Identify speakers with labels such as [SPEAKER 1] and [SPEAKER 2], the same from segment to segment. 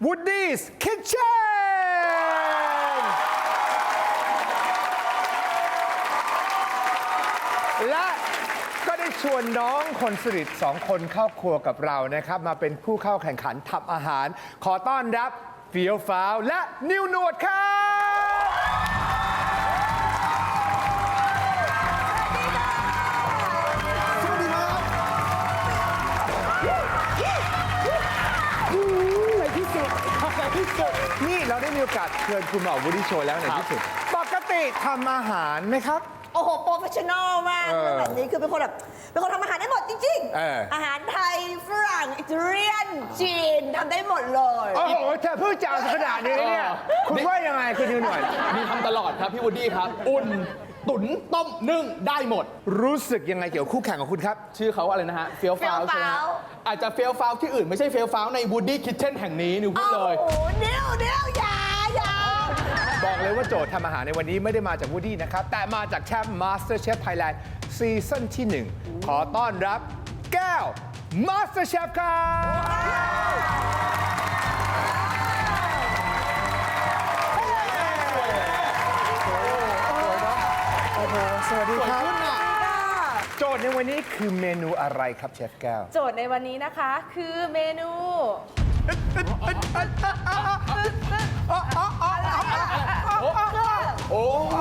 [SPEAKER 1] Woody's Kitchen และก็ได้ชวนน้องคนสนิท2 คนเข้าครัวกับเรานะครับ มาเป็นผู้เข้าแข่งขันทำอาหาร ขอต้อนรับเฟียวฟ้าวและนิวหนวดครับนี่เราได้มีโอกาสเชิญคุณหมอวูดดี้โชว์แล้วในที่สุด ปกติทำอาหารไหมครับ
[SPEAKER 2] โอ้โห โปรเฟชชั่นอลมากแบบนี้คือเป็นคนทำอาหารได้หมดจริงอาหารไทย ฝรั่ง อิตาเลียน จีนทำได้หมดเลย
[SPEAKER 1] โอ้โหเธอเพิ่งจะเอาขนาดนี้เนี่ย คุณว่ายังไงคุณนิวหน่อย
[SPEAKER 3] มีทำตลอดครับพี่วูดดี้ครับ อุ่น ตุ๋น ต้ม นึ่ง ได้หมด
[SPEAKER 1] รู้สึกยังไงเกี่ยวกับคู่แข่งของคุณครับ
[SPEAKER 3] ชื่อเขาอะไรนะฮะ เฟียวฟาวใช่ไหมฮะอาจจะเฟียวฟาวที่อื่นไม่ใช่เฟียวฟาวในวูดดี้คิทเช่นแห่งนี้นิวพูดเลย
[SPEAKER 2] โอ้โหเดี๋ยวอย่า
[SPEAKER 1] บอกเลยว่าโจทย์ทำอาหารในวันนี้ไม่ได้มาจากวูดดี้นะครับ แต่มาจากแชมป์ MasterChef Thailand ซีซั่นที่ 1 ขอต้อนรับแก้ว MasterChef ครับโอ้โหสวัสดีครับ โจทย์ในวันนี้คือเมนูอะไรครับเชฟแก้ว
[SPEAKER 4] โจทย์ในวันนี้นะคะคือเมนู
[SPEAKER 3] โอ้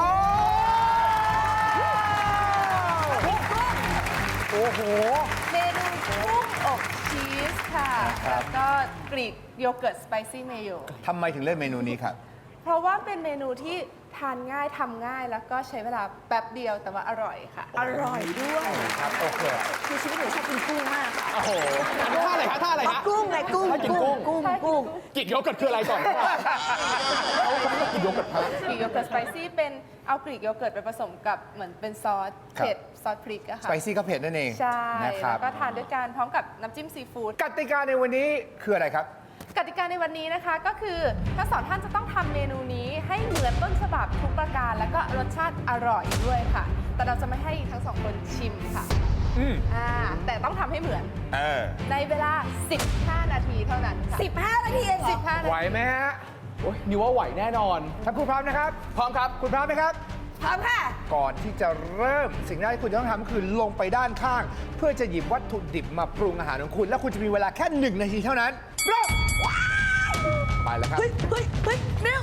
[SPEAKER 1] โอ้โห
[SPEAKER 4] เมนูกุ้งอบชีสค่ะ แล้วก็กรีกโยเกิร์ตสไปซี่เมโย
[SPEAKER 1] ทำไมถึงเลือกเมนูนี้ครับ
[SPEAKER 4] เพราะว่าเป็นเมนูที่ทานง่ายทำง่ายแล้วก็ใช้เวลาแป๊บเดียวแต่ว่าอร่อยค่ะ
[SPEAKER 2] อร่อยด้วย
[SPEAKER 1] ครับ โอเค
[SPEAKER 2] คือชีวิตหนูชอบกินกุ้งมากค่ะ
[SPEAKER 3] โอ้โหท่าอะไรฮะท่าอะไรฮะ
[SPEAKER 2] กุ้งไงกุ้ง
[SPEAKER 3] ให้กินกุ้ง
[SPEAKER 2] กุ้ง
[SPEAKER 3] กินโยเกิร์ตคืออะไรก่อนเขาไม่ได้กินโยเกิร์ตฮะ
[SPEAKER 4] กรีกโยเกิร์ตสไปซี่เป็นเอากรีกโยเกิร์ตไปผสมกับเหมือนเป็นซอส
[SPEAKER 1] ครับ
[SPEAKER 4] เผ็ดซอสพริกอะ
[SPEAKER 1] ส
[SPEAKER 4] ค่ะ
[SPEAKER 1] ไปซี่ก็เผ็ดนั่นเอง
[SPEAKER 4] ใช่
[SPEAKER 1] นะครับ
[SPEAKER 4] แล้วก็ทานด้วยกันพร้อมกับน้ำจิ้มซีฟู้ด
[SPEAKER 1] กติกาในวันนี้คืออะไรครับ
[SPEAKER 4] กติกาในวันนี้นะคะก็คือทั้งสองท่านจะต้องทำเมนูนี้ให้เหมือนต้นฉบับทุกประการแล้วก็รสชาติอร่อยด้วยค่ะ แต่เราจะไม่ให้ทั้งสองคนชิมค่ะ แต่ต้องทำให้เหมือน ในเวลา 15 นาทีเท่านั้นค่ะ
[SPEAKER 2] 15 นาทีเองเหรอ
[SPEAKER 4] 15 นา
[SPEAKER 1] ไหว
[SPEAKER 4] ที
[SPEAKER 1] ไหมฮะ
[SPEAKER 3] โอ้ยนิวว่าไหวแน่นอน
[SPEAKER 1] ถ้าคุณพร้อมนะครับ
[SPEAKER 3] พร้อมครับ
[SPEAKER 1] คุณพร้อมไหมครับ
[SPEAKER 2] พร้อมค่ะ
[SPEAKER 1] ก่อนที่จะเริ่มสิ่งแรกที่คุณจะต้องทำก็คือลงไปด้านข้าง เพื่อจะหยิบวัตถุดิบมาปรุงอาหารของคุณ แล้วคุณจะมีเวลาแค่ 1 นาทีเท่านั้นเริ่มไปแล้วครับ
[SPEAKER 2] เฮ้ยนิว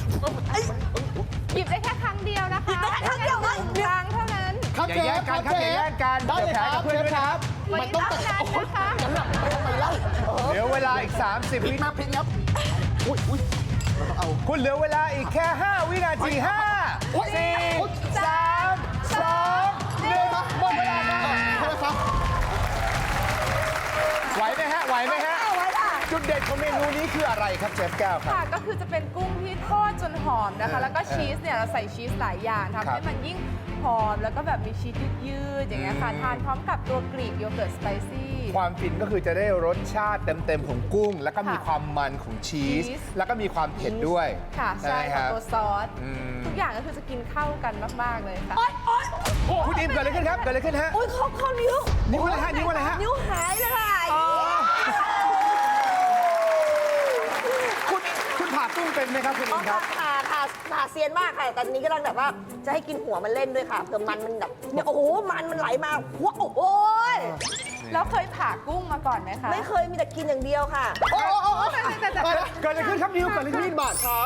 [SPEAKER 4] หยิบได้แค่ครั้งเดียวนะคะ
[SPEAKER 2] หยิบได้แค่ครั้งเดียวเหรอ
[SPEAKER 4] ครั้งเท่านั้น
[SPEAKER 3] ครับ
[SPEAKER 1] อย่าแย่งกันครับอย่าแย่งกัน
[SPEAKER 3] ได้เลยครับ
[SPEAKER 1] เดี๋ยวแพ้กับเพื่อนด้วยนะครับ
[SPEAKER 4] วันนี้เท่านั้นนะคะ
[SPEAKER 1] เหลือเวลาอีก 30 วิ
[SPEAKER 3] มาพริกครับอุ้ยเราต้องเอา
[SPEAKER 1] คุณเหลือเวลาอีกแค่ 5 วินาที 5
[SPEAKER 3] โอ๊ย
[SPEAKER 1] 4 3 2 1หมดเวลาครับไหวไหมฮะไหวไหมฮะ
[SPEAKER 2] เอาไว้ค่ะ
[SPEAKER 1] จุดเด่นของเมนูนี้คืออะไรครับเชฟแก้วครับ
[SPEAKER 4] ค่ะก็คือจะเป็นกุ้งที่ทอดจนหอมนะคะ แล้วก็ชีสเนี่ยเราใส่ชีสหลายอย่างทำให้มันยิ่งหอมแล้วก็แบบมีชีสยืดๆอย่างเงี้ยค่ะทานพร้อมกับตัวกรีกโยเกิร์ตสไปซี่
[SPEAKER 1] ความฟินก็คือจะได้รสชาติเต็มๆของกุ้ง แล้วก็มี
[SPEAKER 4] ค่ะ
[SPEAKER 1] ความมันของชีส
[SPEAKER 4] ชีส
[SPEAKER 1] แล้วก็มีความเผ็ดด้วย
[SPEAKER 4] ค่ะ
[SPEAKER 1] ใช่
[SPEAKER 4] ใช่
[SPEAKER 1] ไหมค
[SPEAKER 4] ค่ะ
[SPEAKER 1] รับ
[SPEAKER 4] ตัวซอส
[SPEAKER 1] อืม
[SPEAKER 4] ทุกอย่างก็คือจะกินเข้ากันมาก ๆ เลยค่ะ
[SPEAKER 1] คุณอิมเกิดอะไรขึ้นครับเกิดอะไรขึ้นฮะ
[SPEAKER 2] โอ้ยเข้านิ้ว
[SPEAKER 1] นิ้วอะไรฮะนิ้วอะไรฮะ
[SPEAKER 2] นิ้วหายเลยค่ะ
[SPEAKER 1] คุณผ่ากุ้งเป็นไหมครับคุณอิมครับ
[SPEAKER 2] ผ่าเซียนมากค่ะแต่ตอนนี้กำลังแบบว่าจะให้กินหัวมันเล่นด้วยค่ะเผื่อมันแบบเนี่ยโอ้โหมันไหลมาหัวโอ้โห
[SPEAKER 4] แล้วเคยผ่ากุ้งมาก่อนไหมคะ
[SPEAKER 2] ไม่เคยมีแต่กินอย่างเดียวค่ะ
[SPEAKER 1] โอ้เกิดอะไรขึ้นครับนิ้วเกิดอะไรขึ้น
[SPEAKER 3] บาทครับ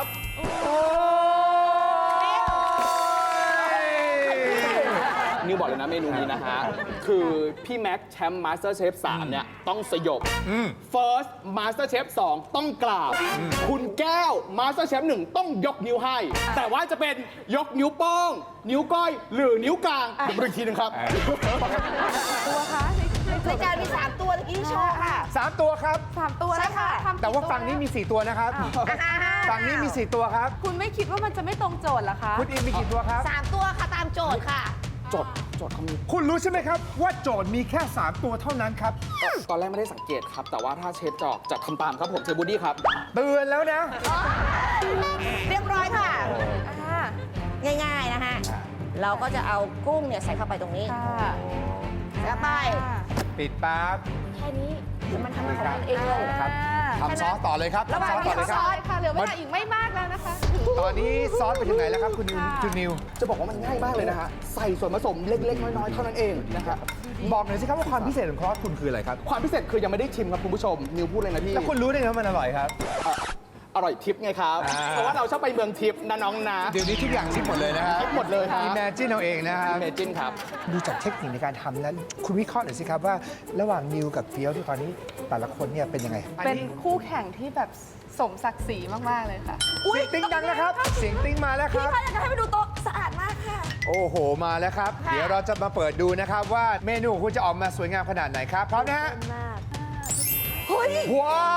[SPEAKER 3] นิวบอกเลยนะเมนูนี้นะฮะ คือพี่แม็กซ์แชมป์มาสเตอร์เชฟ3เนี่ย ต้องสยบ First Master Chef 2 ต้องกราบ คุณแก้ว Master Chef 1 ต้องยกนิ้วให้ แต่ว่าจะเป็นยกนิ้วโป้ง นิ้วก้อย หรือนิ้วกลางเดี๋ยวมาดูอีกทีหนึงครับ
[SPEAKER 4] ตัวคะใน
[SPEAKER 2] รายการมี 3 ตัวตะกี้ที่โชว์ค่ะ
[SPEAKER 1] 3 ตัวครับ
[SPEAKER 4] 3 ตัวนะคะ
[SPEAKER 2] ใช่ค่ะ
[SPEAKER 4] ทำกี่
[SPEAKER 1] แต่ว่า
[SPEAKER 4] ตั
[SPEAKER 1] ฝั่งนี้มี 4 ตัวนะครับ ฝั่งนี้มี 4 ตัวครับ
[SPEAKER 4] คุณไม่คิดว่ามันจะไม่ตรงโจทย์เหรอคะ
[SPEAKER 1] คุณอิมมีกี่ตัวครับ
[SPEAKER 2] 3 ตัวค่ะตามโจทย์ค่ะ
[SPEAKER 3] โจทย์เขามี
[SPEAKER 1] คุณรู้ใช่ไหมครับ ว่าโจทย์มีแค่ 3 ตัวเท่านั้นครับ
[SPEAKER 3] ตอนแรกไม่ได้สังเกตครับ แต่ว่าถ้าเชฟจอกจะทำตามครับผมเชฟบูดดี้ครับ
[SPEAKER 1] เตือนแล้วนะ
[SPEAKER 2] เรียบร้อยค่ะ
[SPEAKER 4] อ่า
[SPEAKER 2] ง่ายๆนะฮะ เราก็จะเอากุ้งเนี่ยใส่เข้าไปตรงนี้
[SPEAKER 4] ค่ะ
[SPEAKER 2] แล้วไป
[SPEAKER 1] ปิดปั๊บ
[SPEAKER 2] แค่นี้มันทำของมันเองเลย
[SPEAKER 1] ครับทำซอสต่อเลยครับ
[SPEAKER 2] ระหว่าง
[SPEAKER 1] ทำซอสต่อเลยค
[SPEAKER 4] ซ
[SPEAKER 1] รับ
[SPEAKER 4] อสค่ะเหลือเวลาอีกไม่มากแล้วนะคะ
[SPEAKER 1] ตอนนี้ซอสไปถึงไหนแล้วครับคุณนิว
[SPEAKER 4] ค่ะ
[SPEAKER 1] คุณนิว
[SPEAKER 3] จะบอกว่ามันง่ายมากเลยนะฮะ ใส่ส่วนผสมเล็ก ๆ น้อย ๆ เท่านั้นเองนะครับ
[SPEAKER 1] บอกหน่อยสิครับว่าความพิเศษของครอสคุณคืออะไรครับ
[SPEAKER 3] ความพิเศษคือยังไม่ได้ชิมครับคุณผู้ชม นิวพูดเลยนะพี่
[SPEAKER 1] แล้วคุณรู้ได้ไงว่ามันอร่อยครับ
[SPEAKER 3] อร่อยทิปไงครับ
[SPEAKER 1] อ่า
[SPEAKER 3] เพราะว่าเราชอบไปเมืองทิปนะน้องนะ
[SPEAKER 1] เดี๋ยวนี้ทุกอย่างชิมหมดเลยนะครับ
[SPEAKER 3] ชิมหมดเลยครับ
[SPEAKER 1] อิมเมจินเอาเองนะครับ
[SPEAKER 3] เมจินครับ
[SPEAKER 1] ดูจากเทคนิคในการทำแล้วคุณวิเคราะห์หน่อยสิครับว่าระหว่างนิวกับเฟี้ยวที่ตอนนี้แต่ละคนเนี่ยเป็นยังไง
[SPEAKER 4] เป็นคู่แข่งที่แบบสมศักดิ์ศรีมากๆเลยค่ะ
[SPEAKER 1] เสียงติ้งดังนะครับ เสียงติ้งมาแล้วค
[SPEAKER 2] พี่
[SPEAKER 1] รับ
[SPEAKER 2] คะอยากจะให้ไปดูโต๊ะสะอาดมากค่ะ
[SPEAKER 1] โอ้โห มาแล้วครับ
[SPEAKER 2] ค่ะ
[SPEAKER 1] เดี๋ยวเราจะมาเปิดดูนะครับว่าเมนูของคุณจะออกมาสวยงามขนาดไหนครับ พร้อมนะฮะ
[SPEAKER 2] มากเฮ้ย
[SPEAKER 1] ว้าว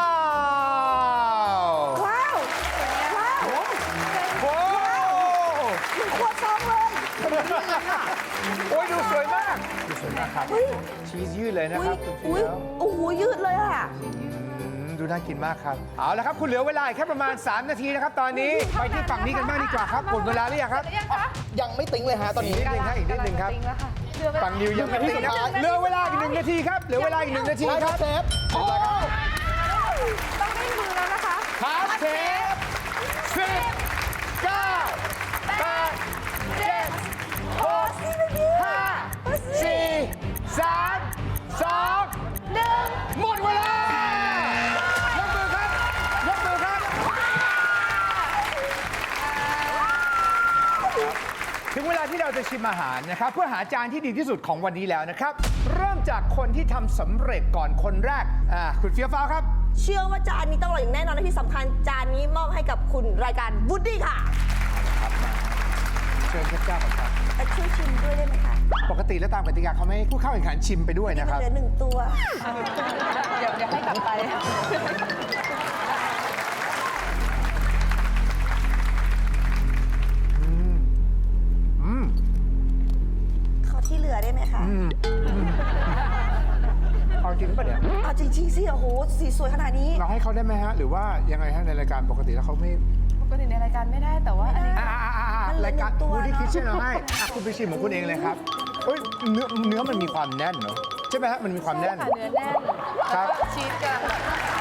[SPEAKER 2] ว้าว ว้าว
[SPEAKER 1] ว้าว
[SPEAKER 2] เหมือนครัวซองเลย
[SPEAKER 1] โอ้ยดูสวยมาก ดูสวยมากครับ
[SPEAKER 2] เฮ้ย
[SPEAKER 1] ชีสยืดเลยนะ
[SPEAKER 2] อุ้
[SPEAKER 1] ค
[SPEAKER 2] ย
[SPEAKER 1] รับคุณ
[SPEAKER 2] อุ้ย
[SPEAKER 1] เฟี้ยว
[SPEAKER 2] โอ้โหยืดเลยอ่ะ
[SPEAKER 1] ดูน่ากินมากครับ เอาละครับ คุณเหลือเวลาอีกแค่ประมาณ 3 นาทีนะครับ ตอนนี้ ไปที่ฝั่งนี้กันบ้างดีกว่าครับหมดเวลาหรือยังครับ
[SPEAKER 4] หรือยังคะ
[SPEAKER 3] ยังไม่ติ้งเลยฮะตอนนี้
[SPEAKER 1] อีกนิดนึงครับอีกนิดนึงครับ
[SPEAKER 4] กำลัจะติ้แล้วค่ะเหลือเวลา
[SPEAKER 1] ฝั่งนิวยังไม่ได้นะครับเหลือเวลาอีก1 นาทีครับ เหลือเวลาอีก1 นาที
[SPEAKER 3] ได้
[SPEAKER 1] ค
[SPEAKER 3] ค
[SPEAKER 1] รั
[SPEAKER 3] รั
[SPEAKER 1] บบ
[SPEAKER 3] เชฟโอ้
[SPEAKER 4] ต้องได้มือแล้วนะคะ
[SPEAKER 1] ครับเชฟ10 9 8 7 6 5 4 3 2 1 หมดเวลายกมือครับยกมือครับ ถึงเวลาที่เราจะชิมอาหารนะครับ เพื่อหาจานที่ดีที่สุดของวันนี้แล้วนะครับ เริ่มจากคนที่ทำสำเร็จก่อนคนแรกคุณเฟี้ยวฟ้าวครับ
[SPEAKER 2] เชื่อว่าจานนี้ต้องอร่อยอย่างแน่นอนและที่สำคัญจานนี้มอบให้กับคุณรายการวูดดี้ค่ะ
[SPEAKER 1] เชิญเชฟเจ้าก่อนครับ
[SPEAKER 2] แต่ช่วยชิมด้วยได้ไหมคะ
[SPEAKER 1] ปกติแล้วตามกติกาเขาไม่ให้ผู้เข้าแข่งขันชิมไปด้วย
[SPEAKER 2] นี่
[SPEAKER 1] นะค
[SPEAKER 2] มัน
[SPEAKER 1] รับ
[SPEAKER 2] เหลือหนึ่งตัว
[SPEAKER 4] เดี๋ยวให้กลับไป
[SPEAKER 2] ขอที่เหลือได้ไหมคะ
[SPEAKER 1] เอาจริงป่ะเนี่ย
[SPEAKER 2] เอาจริงๆสิโอ้โหสีสวยขนาดนี้
[SPEAKER 1] เราให้เขาได้ไหมฮะ หรือว่ายังไงฮะในรายการปกติแล้วเขาไม่
[SPEAKER 4] ปกติในรายการไม่ได้แต่ว่าอันนี้
[SPEAKER 2] มันเหลือ
[SPEAKER 1] รายการ
[SPEAKER 2] หนึ่งตัว
[SPEAKER 1] วูดดี้
[SPEAKER 2] เนอะ
[SPEAKER 1] คิทเช่นเอาให้คุณไปชิมของคุณเองเลยครับเอ้ยเนื้อมันมีความแน่นเนอะใช่ไหมฮะมันมีความแน่น
[SPEAKER 4] ค่ะเนื้อแน่น
[SPEAKER 1] ครั
[SPEAKER 4] แล้ว
[SPEAKER 1] บ
[SPEAKER 4] ก็ชีสกำลังแบบ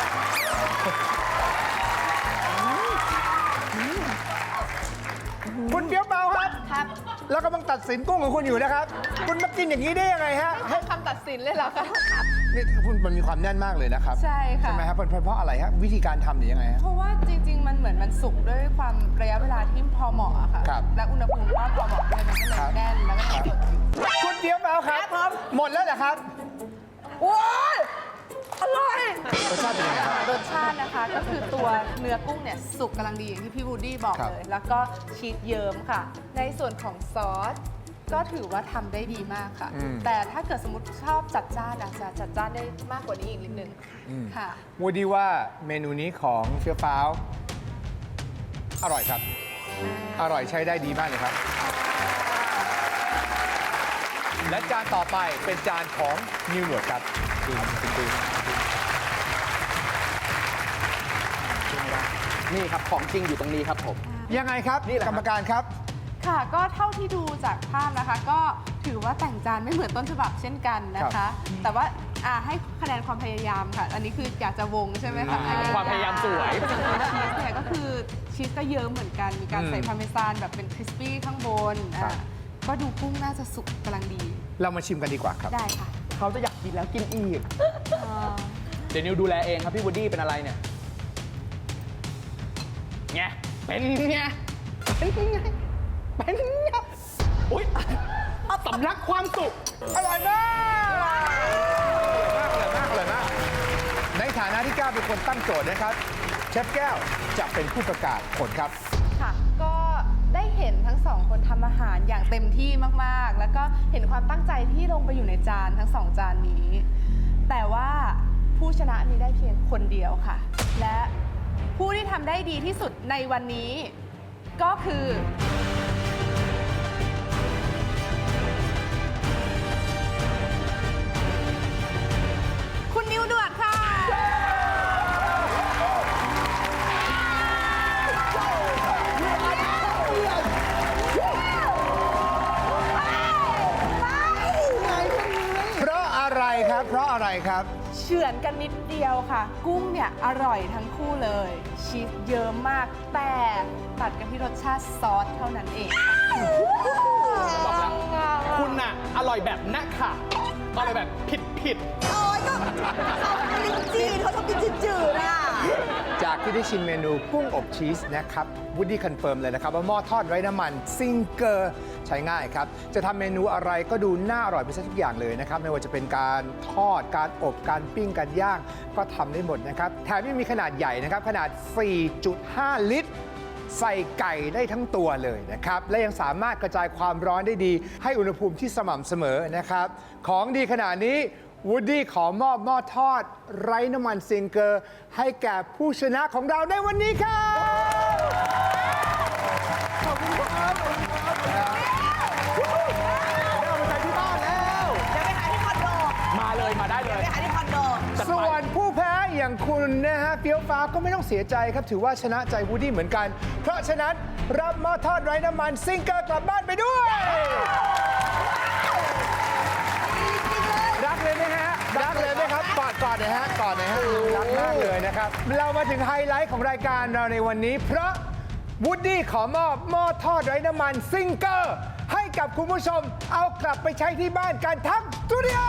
[SPEAKER 1] คุณเฟี้ยวเปล่าครับ
[SPEAKER 4] ครับ
[SPEAKER 1] แล้วกำลังตัดสินกุ้งของคุณอยู่นะครับ คุณมากินอย่างนี้ได้ยังไงฮะ
[SPEAKER 4] ให้คำตัดสินเลยเหรอคะ
[SPEAKER 1] นี่คุณมันมีความแน่นมากเลยนะครับ
[SPEAKER 4] ใช่ค่ะ
[SPEAKER 1] ใช่ไหมครับเพราะอะไรฮะวิธีการทำหรือยังไงฮะ
[SPEAKER 4] เพราะว่าจริง ๆ มันเหมือนมันสุกด้วยความระยะเวลาที่พอเหมาะอะค่ะ
[SPEAKER 1] ครับ
[SPEAKER 4] และอุณหภูมิก็พอเหมาะด้วยมันก็เลยแน่นแล้วก็สด
[SPEAKER 1] คุณเฟี้ยวเปล่าครับ
[SPEAKER 2] ครับ
[SPEAKER 1] หมดแล้วเหรอครับ
[SPEAKER 2] โอ้ยอร่อย
[SPEAKER 1] รสชาติเป็นยังไงครับ
[SPEAKER 4] รสชาตินะคะก็คือตัวเนื้อกุ้งเนี่ยสุกกำลังดีอย่างที่พี่วูดดี้บอก
[SPEAKER 1] ครับ
[SPEAKER 4] เลย แล้วก็ชีสเยิ้มค่ะ ในส่วนของซอสก็ถือว่าทำได้ดีมากค่ะ แต่ถ้าเกิดสมมติชอบจัดจ้านอาจจะจัดจ้านได้มากกว่านี้อีกนิดนึงค่ะ
[SPEAKER 1] วูดดี้ว่าเมนูนี้ของเฟี้ยวฟ้าวอร่อยครับ อร่อยใช้ได้ดีมากเลยครับ และจานต่อไปเป็นจานของนิวหนวดครับดู
[SPEAKER 3] นี่ครับ ของจริงอยู่ตรงนี้ครับผม
[SPEAKER 1] ยังไงครับ
[SPEAKER 3] นี่แหละค
[SPEAKER 1] ก
[SPEAKER 3] รับ
[SPEAKER 1] รรมการครับ
[SPEAKER 4] ค่ะก็เท่าที่ดูจากภาพนะคะ ก็ถือว่าแต่งจานไม่เหมือนต้นฉบับเช่นกันนะ
[SPEAKER 1] ครั
[SPEAKER 4] คะ
[SPEAKER 1] บ
[SPEAKER 4] แต่ว่าให้คะแนนความพยายามค่ะ อันนี้คืออยากจะวงใช่ไหมคะ
[SPEAKER 3] ความพยายามสวย
[SPEAKER 4] ชีสเนี่ยก็คือชีสก็เยิ้มเหมือนกัน มีการใส่พาร์เมซานแบบเป็นคริสปี้ข้างบนก็ดูกุ้งน่าจะสุกกำลังดี
[SPEAKER 1] เรามาชิมกันดีกว่าครับ
[SPEAKER 4] ได้ค่ะ
[SPEAKER 3] เขาจะอยากกินแล้วกินอีก เดี๋ยวนิวดูแลเองครับพี่วูดดี้เป็นอะไรเนี่ยไงเป็นไงเป็นไงเป็นไงอุ้ยสำลักความสุข
[SPEAKER 1] อร่อยมากอร่อยมาก ในฐานะที่ก้าวเป็นคนตั้งโจทย์นะครับ เชฟแก้วจะเป็นผู้ประกาศผลครับ
[SPEAKER 4] ค่ะ ก็ได้เห็นทั้งสองคนทำอาหารอย่างเต็มที่มากๆ แล้วก็เห็นความตั้งใจที่ลงไปอยู่ในจานทั้งสองจานนี้ แต่ว่าผู้ชนะมีได้เพียงคนเดียวค่ะ และผู้ที่ทำได้ดีที่สุดในวันนี้ ก็คือ คุณนิวด่วนค่ะ
[SPEAKER 1] เพราะอะไรครับ เพราะอะไรครับ
[SPEAKER 4] ชเฉือนกันนิดเดียวค่ะ กุ้งเนี่ยอร่อยทั้งคู่เลยชีสเยอะมากแต่ตัดกันที่รสชาติซอสเท่านั้นเองค่ะ
[SPEAKER 3] บอกแล้วคุณน่ะอร่อยแบบนักค่ะอร่อยแบบผิด
[SPEAKER 2] โอ้ยก็เขาเป็นลิ้นจี่เขาชอบกินจืดๆอ่ะ
[SPEAKER 1] จากที่ได้ชิมเมนูกุ้งอบชีสนะครับวูดดี้คอนเฟิร์มเลยนะครับว่าหม้อทอดไร้น้ำมันซิงเกอร์ใช้ง่ายครับ จะทำเมนูอะไรก็ดูน่าอร่อยไปซะทุกอย่างเลยนะครับ ไม่ว่าจะเป็นการทอดการอบการปิ้งการย่างก็ทำได้หมดนะครับ แถมยังมีขนาดใหญ่นะครับ ขนาด 4.5 ลิตร ใส่ไก่ได้ทั้งตัวเลยนะครับ และยังสามารถกระจายความร้อนได้ดี ให้อุณหภูมิที่สม่ำเสมอนะครับ ของดีขนาดนี้วูดดี้ขอมอบหม้อทอดไร้น้ำมันซิงเกอร์ให้แก่ผู้ชนะของเราในวันนี้ครับขอบคุณครับเอามาใส่ที่บ้านแล้ว
[SPEAKER 2] เดี๋ยวไปหาที่คอนโด
[SPEAKER 3] ๆ มาเลยมาได้เลย
[SPEAKER 2] ไปหาที่คอนโด
[SPEAKER 1] ส่วนผู้แพ้อย่างคุณนะฮะเฟี้ยวฟ้าวก็ไม่ต้องเสียใจครับ ถือว่าชนะใจวูดดี้เหมือนกัน เพราะฉะนั้นรับหม้อทอดไร้น้ำมันซิงเกอร์กลับบ้านไปด้วย รักเลยไหมฮะ รักเลยไหมครับ กอดหน่อยฮะ กอดหน่อยฮะ รักมากเลยนะครับ เรามาถึงไฮไลท์ของรายการเราในวันนี้ เพราะวูดดี้ขอมอบหม้อทอดไร้น้ำมันซิงเกอร์ให้กับคุณผู้ชมเอากลับไปใช้ที่บ้านกันทั้งสตูดิโอ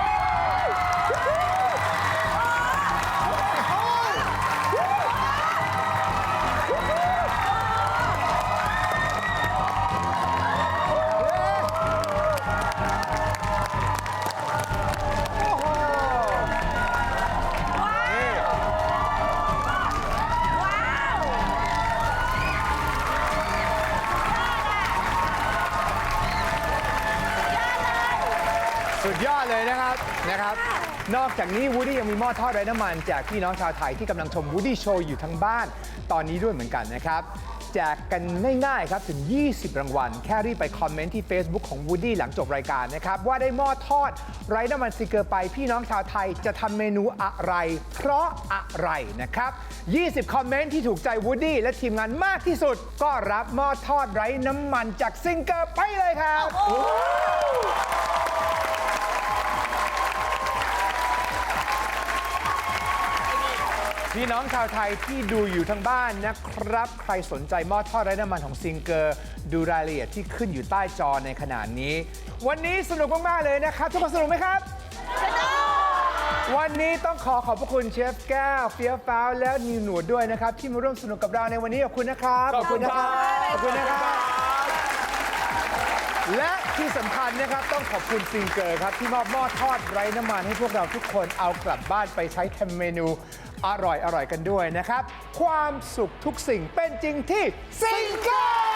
[SPEAKER 1] สุดยอดเลยนะครับ นอกจากนี้วูดดี้ยังมีหม้อทอดไร้น้ำมันแจกพี่น้องชาวไทยที่กำลังชมวูดดี้โชว์อยู่ทั้งบ้านตอนนี้ด้วยเหมือนกันนะครับแจกกันง่ายๆครับถึง 20 รางวัล แค่รีบไปคอมเมนต์ที่ Facebook ของวูดดี้หลังจบรายการนะครับว่าได้หม้อทอดไร้น้ำมันซิงเกอร์ไปพี่น้องชาวไทยจะทำเมนูอะไรเพราะอะไรนะครับ 20 คอมเมนต์ที่ถูกใจวูดดี้และทีมงานมากที่สุดก็รับหม้อทอดไร้น้ำมันจากซิงเกอร์ไปเลยครับ พี่น้องชาวไทยที่ดูอยู่ทางบ้านนะครับ ใครสนใจหม้อทอดไร้น้ำมันของซิงเกอร์ดูรายละเอียดที่ขึ้นอยู่ใต้จอในขณะนี้ วันนี้สนุกมากๆเลยนะครับ ทุกคนสนุกไหมครับ วันนี้ต้องขอบพระคุณเชฟแก้วเฟี้ยวฟ้าวและนิวหนวดด้วยนะครับ ที่มาร่วมสนุกกับเราในวันนี้ขอบคุณนะครับ
[SPEAKER 3] ขอบคุณครับ
[SPEAKER 1] ขอบคุณนะครับ และที่สำคัญนะครับต้องขอบคุณซิงเกอร์ครับที่มอบหม้อทอดไร้น้ำมันให้พวกเราทุกคนเอากลับบ้านไปใช้ทำเมนูอร่อยกันด้วยนะครับ ความสุขทุกสิ่งเป็นจริงที่ซิงเกอร์